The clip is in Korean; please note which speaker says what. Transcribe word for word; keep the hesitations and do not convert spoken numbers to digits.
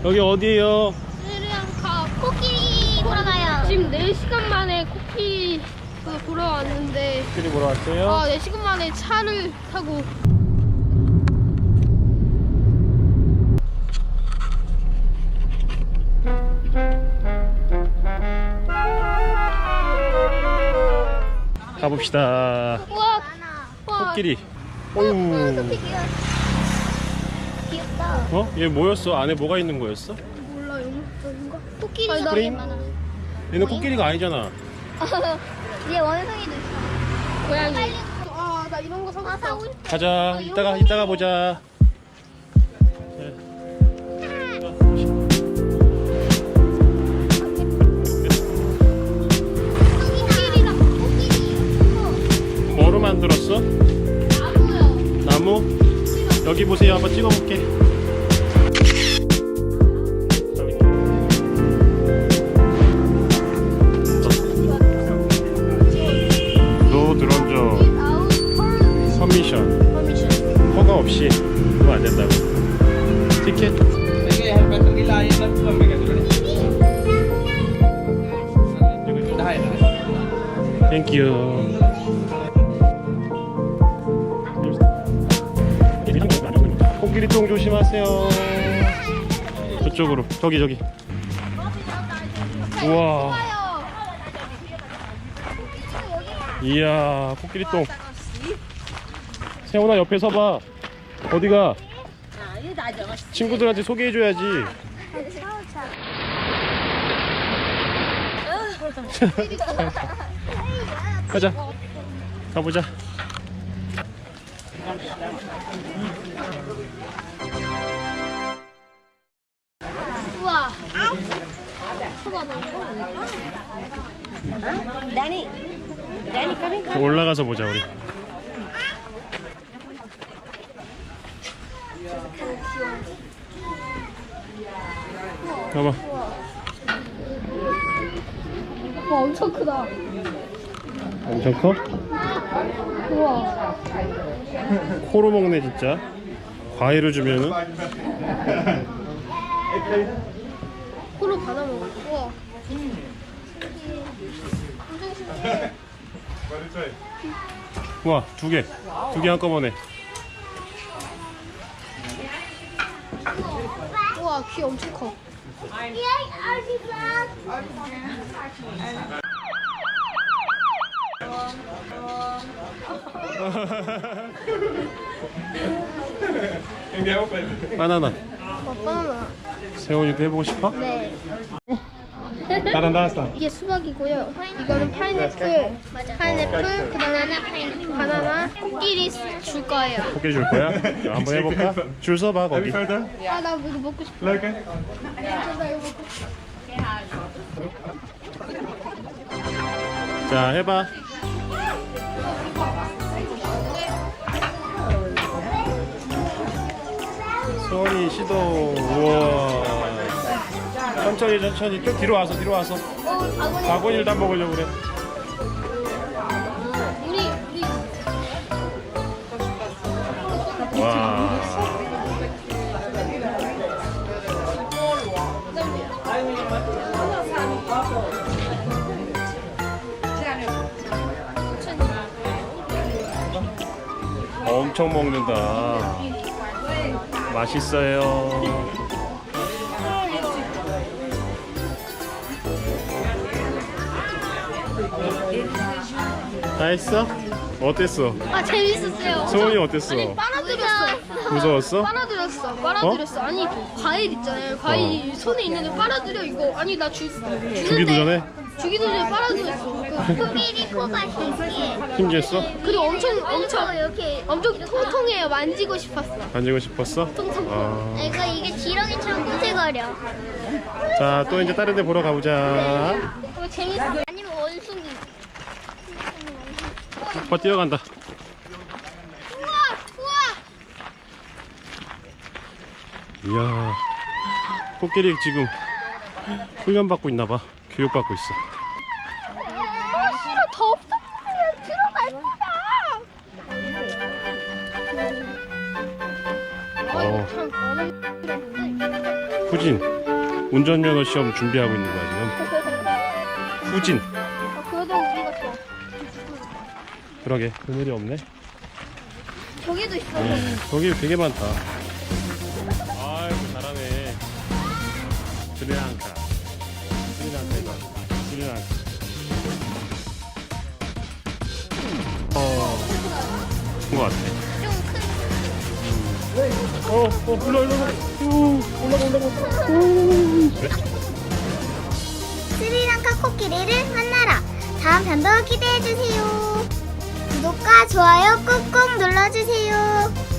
Speaker 1: 여기 어디에요?
Speaker 2: 스리랑카 코끼리 보러 가요. 지금 네 시간 만에 코끼리 보러 왔는데
Speaker 1: 코끼리 보러 왔어요?
Speaker 2: 아, 네 시간 만에 차를 타고
Speaker 1: 가봅시다.
Speaker 2: 우와, 우와.
Speaker 1: 코끼리.
Speaker 2: 어,
Speaker 1: 어우.
Speaker 2: 코끼리 귀여워. 귀엽다.
Speaker 1: 어? 얘 뭐였어? 안에 뭐가 있는 거였어?
Speaker 2: 몰라, 용목적인가? 코끼리가
Speaker 1: 스프링?
Speaker 2: 되게 많아.
Speaker 1: 얘는 코끼리가 아니잖아.
Speaker 2: 얘 원숭이도 있어. 고양이. 아, 나 이런 거 사고 아,
Speaker 1: 어.
Speaker 2: 사고 싶어.
Speaker 1: 가자. 이따가 이따가 보자.
Speaker 2: 코끼리다, 코끼리.
Speaker 1: 뭐로 만들었어?
Speaker 2: 나무요.
Speaker 1: 나무? 여기 보세요. 한번 찍어볼게. 노 드론저 퍼미션. 허가 없이 그거 안 된다고. 티켓. 땡큐. 코끼리똥 조심하세요. 저쪽으로. 저기 저기. 우와. 이야, 코끼리똥. 세훈아 옆에 서봐. 어디가? 친구들한테 소개해줘야지. 가자. 가보자.
Speaker 2: 우와.
Speaker 1: 올라가서 보자 우리. 봐봐.
Speaker 2: 와, 엄청 크다.
Speaker 1: 엄청 커?
Speaker 2: 우와.
Speaker 1: 코로 먹네 진짜. 과일을 주면은.
Speaker 2: 코로 받아 먹어. 우와. 엄청 신기해.
Speaker 1: 우와, 두 개. 두 개 한꺼번에.
Speaker 2: 우와, 귀 엄청 커.
Speaker 1: 바나나.
Speaker 2: 어, 바나나.
Speaker 1: 세훈이도 해보고 싶어?
Speaker 2: 네.
Speaker 1: 나랑 나왔어.
Speaker 2: 이게 수박이고요. 이거는 파인애플, 파인애플, 그다음에 바나나, 코끼리 줄 거예요.
Speaker 1: 코끼리 줄 거야? 한번 해볼까? 줄 서봐 거기.
Speaker 2: 아, 나 이거 먹고 싶어. 나 이거 먹고 싶어.
Speaker 1: 자, 해봐. 소원이 시도. 우와. 천천히 천천히 좀 뒤로 와서 뒤로 와서.
Speaker 2: 어, 아버님.
Speaker 1: 바구니를 다 먹으려고 그래.
Speaker 2: 우리 우리
Speaker 1: 와. 엄청 먹는다. 맛있어요. 다 했어? 어땠어?
Speaker 2: 아, 재밌었어요.
Speaker 1: 소원이 어땠어?
Speaker 2: 아니, 빨아들였어.
Speaker 1: 무서웠어?
Speaker 2: 빨아들였어. 빨아들였어. 아니, 과일 있잖아요. 과일
Speaker 1: 어.
Speaker 2: 손에 있는데 빨아들여 이거. 아니, 나 주,
Speaker 1: 주기도 전에?
Speaker 2: 주기도 전에 빨아들였어. 그,
Speaker 3: 코끼리 코가 신기해.
Speaker 1: 힘들었어?
Speaker 2: 그리고 엄청 엄청
Speaker 3: 이렇게
Speaker 2: 엄청 통통해요. 만지고 싶었어.
Speaker 1: 만지고 싶었어?
Speaker 2: 통통.
Speaker 1: 아.
Speaker 3: 이거 이게 지렁이처럼 꾸세거려.
Speaker 1: 자, 또 이제 다른 데 보러 가보자.
Speaker 2: 이거 재밌어.
Speaker 3: 아니면 원숭이.
Speaker 1: 오빠 뛰어간다.
Speaker 2: 우와, 우와.
Speaker 1: 이야, 코끼리 지금 훈련받고 있나봐. 교육받고 있어.
Speaker 2: 아, 싫어. 더 없어. 들어갈 거야. 아,
Speaker 1: 어.
Speaker 2: 이거 참 어려운데.
Speaker 1: 후진. 운전면허 시험 준비하고 있는 거야 지금. 후진.
Speaker 2: 아, 그래도 우리가 좋아.
Speaker 1: 그러게 그늘이 없네.
Speaker 2: 저기도 있어.
Speaker 1: 네, 거기 되게 많다. 아이고 잘하네. 스리랑카. 스리랑카 이거. 스리랑카. 어, 그런 거 같아. 어, 어, 올라, 올라, 올라. 우, 올라가, 올라가. 우. 그래?
Speaker 3: 스리랑카 코끼리를 만나라. 다음 편도 기대해주세요. 구독과 좋아요 꾹꾹 눌러주세요.